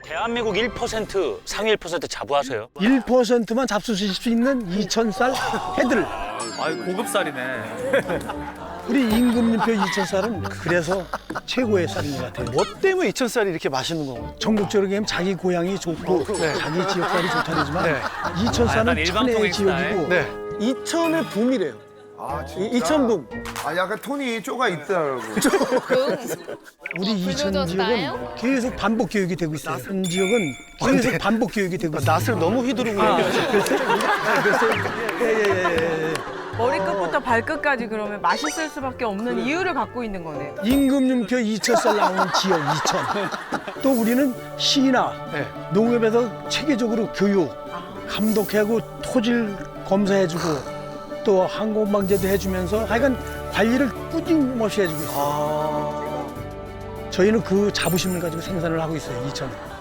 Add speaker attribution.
Speaker 1: 대한민국 1% 상위 1% 자부하세요.
Speaker 2: 1%만 잡수실 수 있는 2,000쌀 해들.
Speaker 3: 아이 고급살이네.
Speaker 2: 우리 임금님표 2,000쌀은 그래서 최고의 쌀인 것 같아요.
Speaker 4: 뭐 때문에 2,000쌀이 이렇게 맛있는 건가요?
Speaker 2: 전국적으로 얘기하면 자기 고향이 좋고 자기 지역 쌀이 좋다지만
Speaker 4: 네.
Speaker 3: 약간
Speaker 2: 2,000쌀은
Speaker 3: 일방통행
Speaker 2: 천혜의
Speaker 3: 스타일.
Speaker 2: 지역이고
Speaker 4: 네. 2,000의 붐이래요.
Speaker 5: 아, 진짜?
Speaker 4: 2,000붐.
Speaker 5: 아, 약간 톤이 쪼가 있더라고.
Speaker 2: 우리 이천 지역은 계속 반복 교육이 되고 있어요. 현 지역은 계속 반복 교육이 되고 있어요.
Speaker 4: 낯을 너무 휘두르고
Speaker 6: 머리끝부터 발끝까지 그러면 맛있을 수밖에 없는 이유를 갖고 있는 거네요.
Speaker 2: 임금님표 2,000쌀 나오는 지역 2,000. 또 우리는 시나
Speaker 4: 네.
Speaker 2: 농업에서 체계적으로 교육, 감독하고 토질 검사해주고 또 항공방제도 해주면서 하여간 관리를 꾸준히 해주고 있어요. 저희는 그 자부심을 가지고 생산을 하고 있어요, 2,000.